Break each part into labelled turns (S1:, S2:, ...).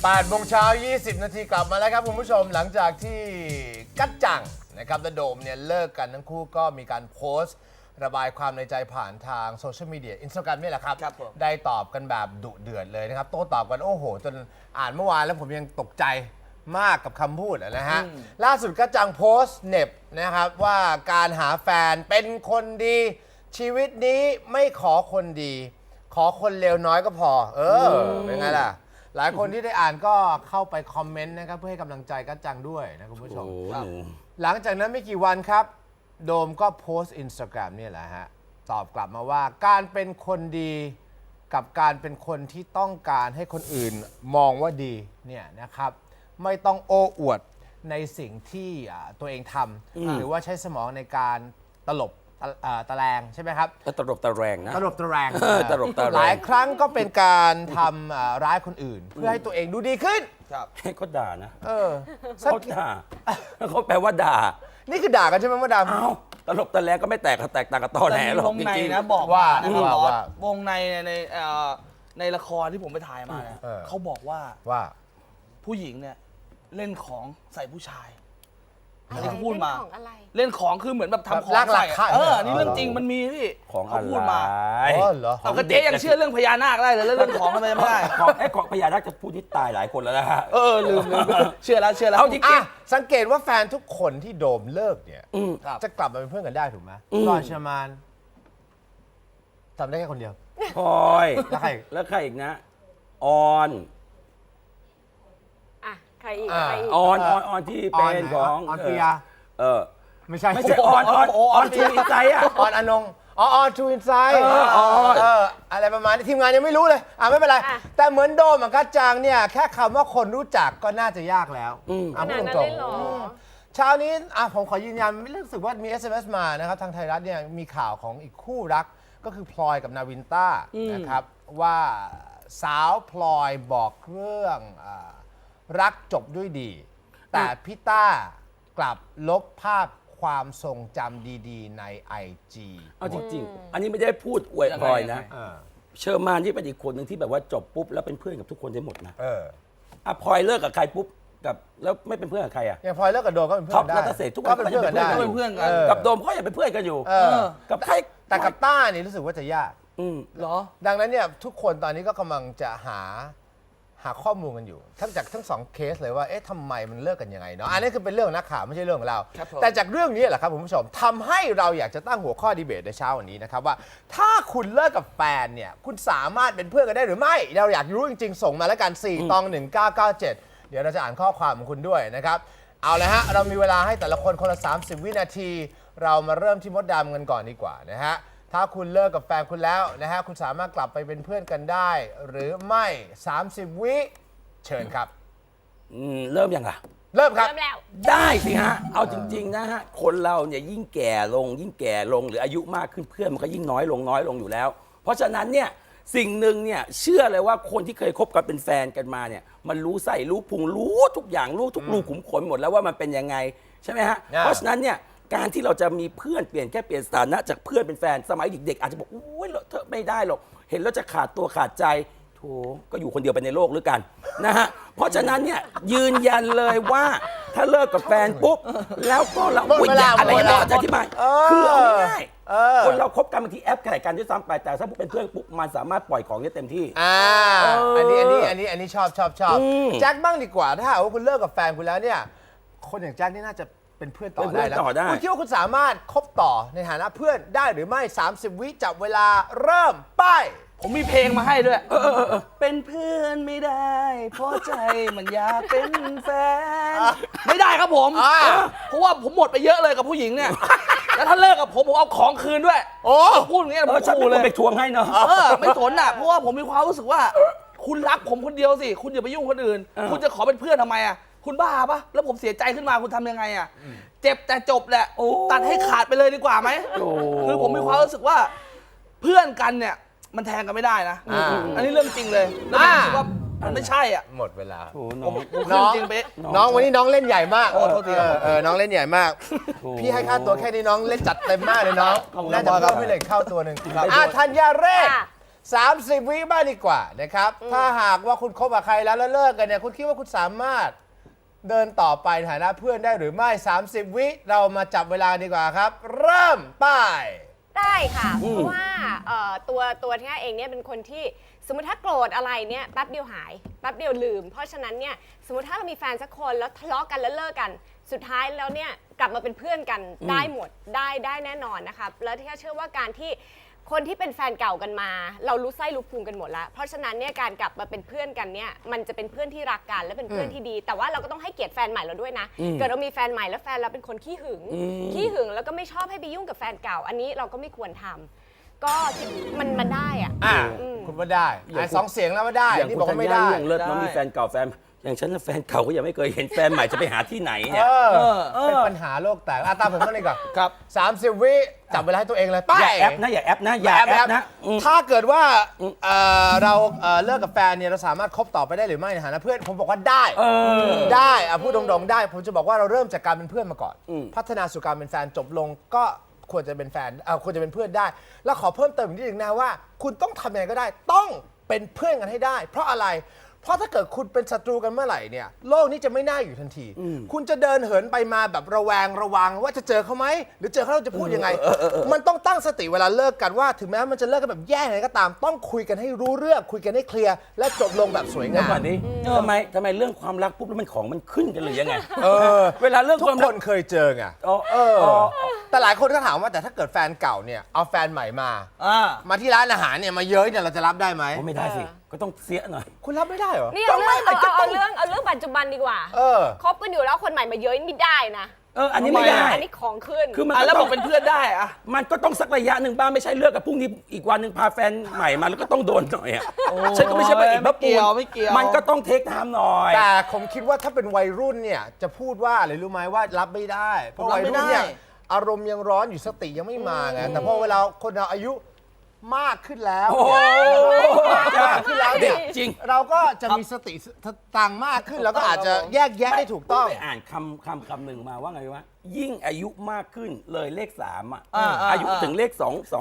S1: 8 โมงเช้า 20 นาทีกลับมาแล้วครับคุณผู้ชมหลังจากที่กัจจังนะครับและโดมเนี่ยเลิกกันทั้งคู่ก็มีการโพสต์ระบายความในใจผ่านทางโซเชียลมีเดีย Instagram นี่แหละครับ ได้ตอบกันแบบดุเดือดเลยนะครับโต้ตอบกันโอ้โหจนอ่านเมื่อวานแล้วผมยังตกใจมากกับคำพูดนะฮะล่าสุดกัจจังโพสต์เหน็บนะครับว่าการหาแฟนเป็นคนดีชีวิตนี้ไม่ขอคนดี ขอคนเลวน้อยก็พอเป็นไงล่ะหลายคนที่ได้อ่านก็เข้าไปคอมเมนต์นะครับเพื่อให้กำลังใจกัจจังด้วยนะคุณผู้ชมหลังจากนั้นไม่กี่วันครับโดมก็โพสต์ Instagram เนี่ยแหละฮะตอบกลับมาว่าการเป็นคนดีกับการเป็นคนที่ต้องการให้คนอื่นมองว่าดีเนี่ยนะครับไม่ต้องโอ้อวดในสิ่งที่ตัวเองทำหรือว่าใช้สมองในการตลบตะแลงใช่ไหมครับ
S2: ตลบตะแรงนะ
S1: ตลบตะแรง
S2: ตลบตะแรง
S1: หลายครั้งก็เป็นการทำร้ายคนอื่น เพื่อให้ตัวเองดูดีขึ้น
S2: ให้เขาด่านะ
S1: เขา
S2: ด่าเขาแปลว่าด่า
S1: นี่คือด่ากันใช่ไหมมดดำ
S2: อ้าวตลบตะแรงก็ไม่แตกต่างกับตอแหลหรอก
S3: วงในนะบอกว่านะครับวงในในละครที่ผมไปถ่ายมาเนี่ยเขาบอกว่าผู้หญิงเนี่ยเล่นของใส่ผู้ชายอันนี้เขาพูดมาเล่นของคือเหมือนแบบทำของใส่นี่เรื่องจริงมันมีพี่เขาพูดมา
S1: เหรอ
S3: เอาก็เจ๊ยังเชื่อเรื่องพญานาคได้เลยแล้วเรื่องของทำไมไม่ได้
S2: ของพญานาคจะพูดที่ตายหลายคนแล้วนะฮะ
S3: ลืมเชื่อแล้ว
S1: เอาจริงสังเกตว่าแฟนทุกคนที่โดมเลิกเนี่ยจะกลับมาเป็นเพื่อนกันได้ถูกไหมรอนชามานจำได้แค่คนเดียว
S2: พลอย
S1: แล้ว
S2: ใครอีกนะออน
S4: ใครอีก
S2: ออนที่เป็นของ
S1: ออนปิยาไม่ใช่
S2: ออนทูอินไซด์
S1: ออนอนงออนทูอินไซด์อะไรประมาณนี้ทีมงานยังไม่รู้เลยไม่เป็นไรแต่เหมือนโดมกัจจังเนี่ยแค่คำว่าคนรู้จักก็น่าจะยากแล้ว
S4: พูดตรง
S1: เช้านี้ผมขอยืนยันไม่รู้สึกว่ามี SMS มานะครับทางไทยรัฐเนี่ยมีข่าวของอีกคู่รักก็คือพลอยกับนาวินต้านะครับว่าสาวพลอยบอกเรื่องรักจบด้วยดีแต่พี่ต้ากลับลบภาพความทรงจำดีๆใน IG
S2: เอาจริงๆอันนี้ไม่ได้พูดอวยพลอยนะเชอร์มานที่เป็นอีกคนหนึ่งที่แบบว่าจบปุ๊บแล้วเป็นเพื่อนกับทุกคนได้หมดนะพลอยเลิกกับใครปุ๊บกับแล้วไม่เป็นเพื่อนกับใคร
S1: อย่างพลอยเลิกกับโดมก็เป็นเพื่อนได้
S2: ท็อปนัทเศรษฐ์ทุกคน
S1: ก็เป็นเพื่อนกันได้
S2: กับโดมก็ยังเป็นเพื่อนกันอยู่กับใคร
S1: แต่กับต้านี่รู้สึกว่าจะยาก
S3: เหรอ
S1: ดังนั้นเนี่ยทุกคนตอนนี้ก็กำลังจะหาข้อมูลกันอยู่ทั้งสองเคสเลยว่าทำไมมันเลิกกันยังไงเนาะอันนี้คือเป็นเรื่องนักข่าวไม่ใช่เรื่องของเราแต่จากเรื่องนี้แหละครับคุณผู้ชมทำให้เราอยากจะตั้งหัวข้อดีเบตในเช้าวันนี้นะครับว่าถ้าคุณเลิกกับแฟนเนี่ยคุณสามารถเป็นเพื่อนกันได้หรือไม่เราอยากรู้จริงๆส่งมาแล้วกัน4ตอง1997เดี๋ยวเราจะอ่านข้อความของคุณด้วยนะครับเอาเลยฮะเรามีเวลาให้แต่ละคนคนละ30 วินาทีเรามาเริ่มที่มดดำกันก่อนดีกว่านะฮะถ้าคุณเลิกกับแฟนคุณแล้วนะฮะคุณสามารถกลับไปเป็นเพื่อนกันได้หรือไม่30 วิเชิญครับ
S2: เริ่มยังล่ะ
S1: เริ่มครับ
S2: ได้สิฮะเอาจริงๆนะฮะคนเราเนี่ยยิ่งแก่ลงหรืออายุมากขึ้นเพื่อนมันก็ยิ่งน้อยลงอยู่แล้วเพราะฉะนั้นเนี่ยสิ่งหนึ่งเนี่ยเชื่อเลยว่าคนที่เคยคบกันเป็นแฟนกันมาเนี่ยมันรู้ใส่รู้พุงรู้ทุกอย่างรู้ทุกรูขุมขนหมดแล้วว่ามันเป็นยังไงใช่ไหมฮะเพราะฉะนั้นเนี่ยการที่เราจะมีเพื่อนเปลี่ยนสถานะจากเพื่อนเป็นแฟนสมัยเด็กๆอาจจะบอกอุ้ยเธอไม่ได้หรอกเห็นแล้วจะขาดตัวขาดใจโถก็อยู่คนเดียวไปในโลกหรือกันนะฮะเพราะฉะนั้นเนี่ยยืนยันเลยว่าถ้าเลิกกับแฟนปุ๊บแล้วก็เราอะไรต่อจะอธิบายคือเอาง่ายๆคนเราคบกันบางทีแอปแข่งกันด้วยซ้ำไปแต่ถ้าเป็นเพื่อนปุ๊บมันสามารถปล่อยของได้เต็มที่
S1: อันนี้ชอบแจ็คบ้างดีกว่าถ้าหากว่าคุณเลิกกับแฟนคุณแล้วเนี่ยคนอย่างแจ็คนี่น่าจะเป็นเพื่อนต่อได้แล้วคุณคิดว่าคุณสามารถคบต่อในฐานะเพื่อนได้หรือไม่30 วิจับเวลาเริ่มไป
S3: ผมมีเพลงมาให้ด้วยเป็นเพื่อนไม่ได้เพราะใจมันอยากเป็นแฟนไม่ได้ครับผมเพราะว่าผมหมดไปเยอะเลยกับผู้หญิงเนี่ยแล้วถ้าเลิกกับผมเอาของคืนด้วยพูดอย่างเงี้ย
S2: ฉันเป็นคนไปทวงให้เนาะ
S3: ไม่สนอ่ะเพราะว่าผมมีความรู้สึกว่าคุณรักผมคนเดียวสิคุณอย่าไปยุ่งคนอื่นคุณจะขอเป็นเพื่อนทำไมอ่ะคุณบ้าปะแล้วผมเสียใจขึ้นมาคุณทำยังไงอ่ะเจ็บแต่จบแหละตัดให้ขาดไปเลยดีกว่าไหมคือผมมีความรู้สึกว่าเพื่อนกันเนี่ยมันแทงกันไม่ได้นะอันนี้เรื่องจริงเลยแล้วผมรู้สึกว่ามันไม่ใช่อ่ะ
S1: หมดเวลา
S3: น้องจริงเป๊ะ
S1: น้องวันนี้น้องเล่นใหญ่มากน้องเล่นใหญ่มากพี่ให้ค่าตัวแค่นี้น้องเล่นจัดเต็มมากเลยน้องน่าจะเพิ่มให้เลยเข้าตัวหนึ่งธัญญาเรศ 30 วิบ้างดีกว่านะครับ ถ้าหากว่าคุณคบกับใครแล้วเลิกกันเนี่ยคุณคิดว่าคุณสามารถเดินต่อไปในฐานะเพื่อนได้หรือไม่ 30 วิเรามาจับเวลาดีกว่าครับ เริ่มป้าย
S4: ได้ค่ะ เพราะว่าตัวที่เองเนี่ยเป็นคนที่สมมติถ้าโกรธอะไรเนี่ยแป๊บเดียวหายแป๊บเดียวลืม เพราะฉะนั้นเนี่ยสมมติถ้าเรามีแฟนสักคนแล้วทะเลาะกันแล้วเลิกกัน สุดท้ายแล้วเนี่ยกลับมาเป็นเพื่อนกันได้หมดได้แน่นอนนะคะแล้วที่เชื่อว่าการที่คนที่เป็นแฟนเก่ากันมา เรารู้ไส้รู้พุงกันหมดแล้วเพราะฉะนั้นเนี่ยการกลับมาเป็นเพื่อนกันเนี่ยมันจะเป็นเพื่อนที่รักกันและเป็นเพื่อนที่ดี แต่ว่าเราก็ต้องให้เกียรติแฟนใหม่เราด้วยนะเกิดเรามีแฟนใหม่แล้วแฟนเราเป็นคนขี้หึงแล้วก็ไม่ชอบให้ไปยุ่งกับแฟนเก่า อันนี้เราก็ไม่ควรทำก็มันได้อะ
S1: คุณว่าได้สองเสียงแล้วว่าได้
S2: อย่าง
S1: นี่
S2: คุ
S1: บอก
S2: ณธั
S1: ว่า
S2: ญ
S1: ไม่
S2: ญา
S1: ได้
S2: เรื่องเลิศน้องมีแฟนเก่าแฟนอย่างฉันน่ะแฟนเก่าก็ยังไม่เคยเห็นแฟนใหม่จะไปหาที่ไหนเนี่ย
S1: เป็นปัญหาโลกแตกตามผมมาเลยก่อน
S3: ครับ
S1: 30 วิจับเวลาให้ตัวเองเลยไป
S2: อย่าแอปนะอย่าแอปนะอย่าแอปนะ
S1: ถ้าเกิดว่าเราเลิกกับแฟนเนี่ยเราสามารถคบต่อไปได้หรือไม่ในฐานะเพื่อนผมบอกว่าได้ได้พูดตรงๆได้ผมจะบอกว่าเราเริ่มจากการเป็นเพื่อนมาก่อน พัฒนาสู่การเป็นแฟนจบลงก็ควรจะเป็นแฟนควรจะเป็นเพื่อนได้ แล้วขอเพิ่มเติมอีกนิดนึงนะว่า คุณต้องทำยังไงก็ได้ต้องเป็นเพื่อนกันให้ได้ เพราะอะไร เพราะถ้าเกิดคุณเป็นศัตรูกันเมื่อไหร่เนี่ยโลกนี้จะไม่น่าอยู่ทันที คุณจะเดินเหินไปมาแบบระแวงระวังว่าจะเจอเขาไหมหรือเจอเขาเราจะพูดยังไง มันต้องตั้งสติเวลาเลิกกันว่า ถึงแม้มันจะเลิกกันแบบแย่ยังไงก็ตาม ต้องคุยกันให้รู้เรื่องคุยกันให้เคลียร์และจบลงแบบสวย
S2: แล้ว
S1: งาม
S2: ก่อนนี้ทำไมเรื่องความรักปุ๊บแล้วมันของมันขึ้นกันหรือยังไงเวลาเรื่อง
S1: ทุ
S2: ค
S1: ก
S2: วาม
S1: ค
S2: รัก
S1: นเคยเจอไงแต่หลายคนก็ถามว่าแต่ถ้าเกิดแฟนเก่าเนี่ยเอาแฟนใหม่มาที่ร้านอาหารเนี่ยมาเย้ยเนี่ยเราจะรับได้ไหม
S2: ไม่ได้สิก็ต้องเสียหน่อย
S1: คุณรับไม่ได้เหรอ
S4: นี่เอาเรื่องปัจจุบันดีกว่า คบกันอยู่แล้วคนใหม่มาเย้ยไม่ได้นะ
S2: อันนี้ไม่ได้
S4: อันนี้ของขึ้น
S2: คือมัน
S3: แล้วบอกเป็นเพื่อนได้อะ
S2: มันก็ต้องสักระยะหนึ่งบ้างไม่ใช่เลิกกับพรุ่งนี้อีกวันหนึ่งพาแฟนใหม่มาแล้วก็ต้องโดนหน่อยอ่ะฉันก็ไม่ใช่ไปอีก
S3: ไม่เกี่ยวไม่เกี่ยว
S2: มันก็ต้องเทคไทม์หน่อย
S1: แต่ผมคิดว่าถ้าเป็นวัยรุ่นเนี่ยจะพูดว่าอะไรรู้ไหมว่ารับไม่ได้ เพราะวัยรุ่นเนี่ยอารมณ์ยังร้อนอยู่สติยังไม่มาไงแต่พอเวลาคนเราอายุมากขึ้นแล้วมากขึ้นแล้วเนี่ย
S2: จริง
S1: เราก็จะมีสติตังมากขึ้นแล้วก็อาจจะแยกแยะได้ถูกต้อง
S2: ไปอ่านคำหนึ่งมาว่าไงวะยิ่งอายุมากขึ้นเลยเลข3อายุถึงเลข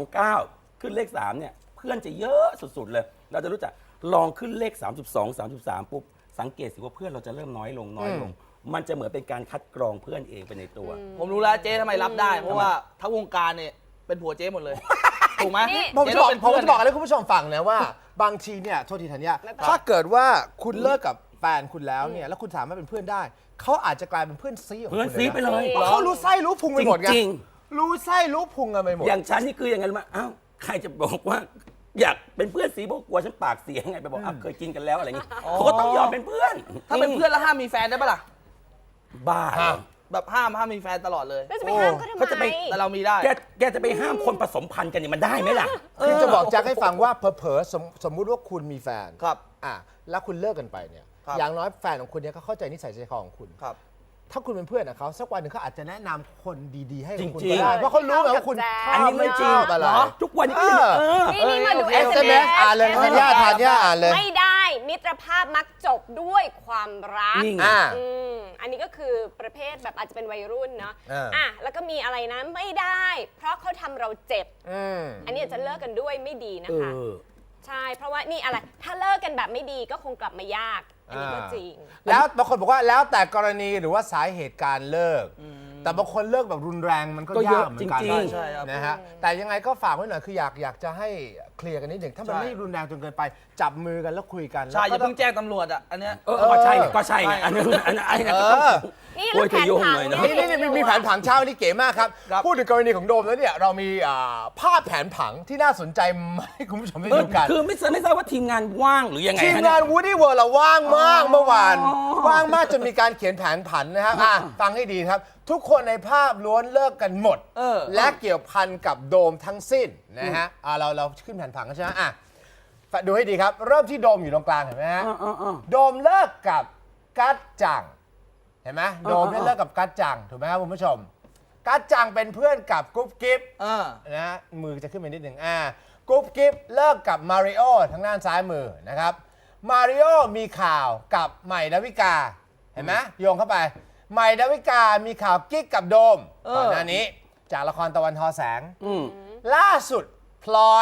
S2: 229ขึ้นเลข3เนี่ยเพื่อนจะเยอะสุดๆเลยเราจะรู้จักลองขึ้นเลข32 33ปุ๊บสังเกตสิว่าเพื่อนเราจะเริ่มน้อยลงมันจะเหมือนเป็นการคัดกรองเพื่อนเองไปในตัว
S3: ผมรู้แล้วเจ๊ทำไมรับได้ เพราะว่าทั้งวงการเนี่ยเป็นผัวเจ๊หมดเลย ถูกไหม
S1: ผมจะบอกอะไรให้คุณผู้ชมฟังนะว่าบางทีเนี่ยโทษทีธัญญาถ้าเกิดว่าคุณเลิกกับแฟนคุณแล้วเนี่ยแล้วคุณสามารถเป็นเพื่อนได้เขาอาจจะกลายเป็นเพื่อนซีของคุณ
S2: เพื่อนซีไปเลย
S1: เพราะเขารู้ไส้รู้พุงไปหมดไง
S2: จริง
S1: รู้ไส้รู้พุงกันไปหมด
S2: อย่างฉันนี่คืออย่างไงรู้ไหมอ้าวใครจะบอกว่า อยากเป็นเพื่อนสีบอกกลัวฉันปากเสียไงไปบอกเคยกินกันแล้วอะไรอย่างงี้เขาก็ต้องยอมเป็นเพื่อน
S3: ถ้าเป็นเพื่อนแล้วห้ามมีแฟนได้ปะล่ะ
S2: บ้า
S3: แบบห้ามมีแฟนตลอดเลย
S4: แล้วจะไปห้ามเขาทำ
S2: เขาจะไป
S4: ไม
S3: แต่เรามีได้
S2: แกจะไปห้ามคนผสมพันธุ์กันเนี่ยมันได้ไหมล่ะ
S1: คือจะบอกแจ็คให้ฟังว่าเผลอๆสมมุติว่าคุณมีแฟน
S3: ครับ
S1: แล้วคุณเลิกกันไปเนี่ย
S3: ครับ
S1: อย่างน้อยแฟนของคุณเนี่ยก็เข้าใจนิสัยใจคอของคุณ
S3: ครับ
S1: ถ้าคุณเป็นเพื่อนกับเขาสักวันหนึ่งเขาอาจจะแนะนำคนดีๆให้กับคุณ
S2: จริ
S1: ก็
S2: งๆ
S1: ได้เพราะเขารู้ไงว่าคุณช
S2: อัน
S1: อบ
S2: นี้ไม่จริง
S1: ชอบอะไร
S2: ทุกวันนี้ก็ยัง
S4: นี่มาดู
S1: SMS อ่านเลยธัญญาอ่านเลย
S4: ไม่ได้มิตรภาพมักจบด้วยความรัก
S2: นี่ไง
S4: อันนี้ก็คือประเภทแบบอาจจะเป็นวัยรุ่นเนาะ
S1: อ่า
S4: แล้วก็มีอะไรนะไม่ได้ เพราะเขาทำเราเจ็บ อันนี้อาจจะเลิกกันด้วยไม่ดีนะคะ ใช่ เพราะว่านี่อะไร ถ้าเลิกกันแบบไม่ดีก็คงกลับมายาก อันนี้ก็จริง
S1: แล้วบางคนบอกว่าแล้วแต่กรณีหรือว่าสาเหตุการเลิก แต่บางคนเลิกแบบรุนแรงมันก็
S2: ก็เย
S1: ยา
S2: อะ
S1: กเหมือนกัน
S2: จริงๆ
S3: ใช่ครับ
S1: นะฮะแต่ยังไงก็ฝากไว้หน่อยคืออยากจะให้เคลียร์กันนิดหนึ่งถ้ามัน
S3: ใช่
S1: ไม่รุนแรงจนเกินไป จับมือกันแล้วคุยกัน
S3: ใช่อย่า
S1: แล้วก็
S3: เพิ่งแจ้งตำรวจอ่ะ อันเนี้ย
S2: ก็ใช่ไงอันนั้นก็ต้อง
S4: นี่
S2: โอ้ย
S4: แล้ว
S2: เธอโยง
S4: แผนผัง
S2: หน่อยนะ
S1: นี่มีแผนผังเช่านี่เก๋มากครับ
S3: ครับ
S1: พูดถึงกรณีของโดมแล้วเนี่ยเรามีภาพแผนผังที่น่าสนใจมาให้คุณผู้ชมได้ดูกัน
S2: คือไม่ทราบว่าทีมงานว่างหรือยังไง
S1: ทีม
S2: ฮะ
S1: งา
S2: เนี่ย
S1: น Woody World เราว่างมากเมื่อวานว่างมากจนมีการเขียนแผนผันนะครับฟังให้ดีครับ ทุกคนในภาพล้วนเลิกกันหมด และเกี่ยวพันกับโดมทั้งสิ้นนะฮะเราขึ้นแผนผังกันใช่ไหมดูให้ดีครับ เริ่มที่โดมอยู่ตรงกลางเห็นไหมฮะโดมเลิกกับกัจจังเห็นไหมโดมเนี่ยเลิกกับกัจจังถูกไหมครับคุณผู้ชมกัจจังเป็นเพื่อนกับกุ๊บกิ๊บนะฮะมือจะขึ้นไปนิดหนึ่งกุ๊บกิ๊บเลิกกับมาริโอทางด้านซ้ายมือนะครับมาริโอมีข่าวกับใหม่ดาวิกาเห็นไหมโยงเข้าไปใหม่ดาวิกามีข่าวกิ๊กกับโดมก่อนหน้านี้จากละครตะวันทอแสงล่าสุดพลอย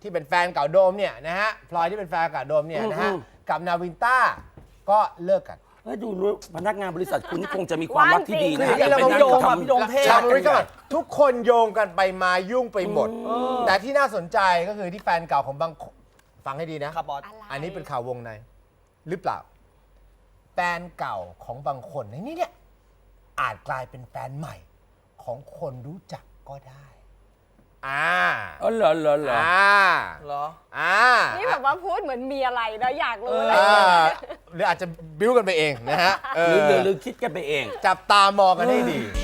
S1: ที่เป็นแฟนเก่าโดมเนี่ยนะฮะพลอยที่เป็นแฟนเก่าโดมเนี่ยนะฮะ
S2: อืม
S1: กับนาวินต้าก็เลิกกัน
S2: เฮ้ยดูรู้พนักงานบริษัทคุณนี่คงจะมีความรักที่ดีนะ
S3: คืออย่างนี้เรามาโยงอะพี่โดมเท่
S1: ชาวอเมริกาทุกคนโยงกันไปมายุ่งไปหมด แต่ที่น่าสนใจก็คือที่แฟนเก่าของบางคนฟังให้ดีนะครับ
S3: บอส
S4: อะไร
S1: อันนี้เป็นข่าววงในหรือเปล่า แฟนเก่าของบางคนในนี้เนี่ยอาจกลายเป็นแฟนใหม่ของคนรู้จักก็ได้
S2: อ๋อเหรอเหรอเหรอ
S3: เหรอ
S4: นี่แบบว่าพูดเหมือนมีอะไรนะอยากรู้เลย
S1: หรืออาจจะบิ้วกันไปเองนะฮะ
S2: หรือคิดกันไปเอง
S1: จับตามองกันให้ดี